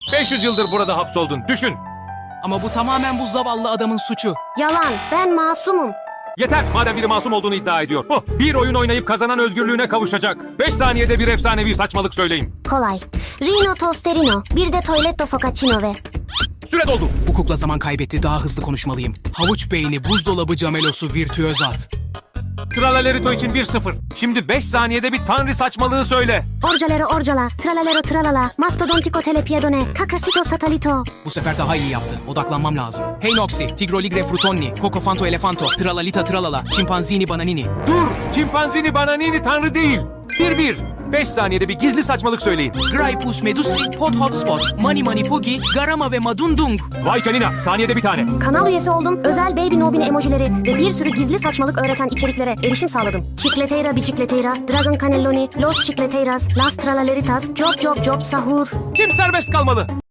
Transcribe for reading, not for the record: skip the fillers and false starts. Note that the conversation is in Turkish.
500 yıldır burada hapsoldun. Düşün. Ama bu tamamen bu zavallı adamın suçu. Yalan, ben masumum. Yeter madem biri masum olduğunu iddia ediyor. Bir oyun oynayıp kazanan özgürlüğüne kavuşacak. 5 saniyede bir efsanevi saçmalık söyleyin. Kolay. Rino Tosterino, bir de Toiletto Focaccia ve... Süre doldu. Bu kukla zaman kaybetti, daha hızlı konuşmalıyım. Havuç beyni, buzdolabı camelosu, virtüöz at. Tralalerito için 1-0. Şimdi 5 saniyede bir tanrı saçmalığı söyle. Orcalero orcala, tralalero tralala, mastodontico telepiedone, cacasito satalito. Bu sefer daha iyi yaptı. Odaklanmam lazım. Hey Noxy, Tigroligre frutonni, Cocofanto elefanto, Tralalita tralala, Chimpanzini bananini. Dur! Çimpanzini bananini tanrı değil. 1-1. 5 saniyede bir gizli saçmalık söyleyin. Graipus medusi, Hot Hotspot, Mani Mani Pugi, Garama ve Madundung. Vay canina. Saniyede bir tane. Kanal üyesi oldum, özel Baby Nobine emojileri ve bir sürü gizli saçmalık öğreten içeriklere erişim sağladım. Chicleteira bicicleteira, Dragon Cannelloni, Los Chicleteiras, Las Tralaleritas, Job Job Job Sahur. Kim serbest kalmalı?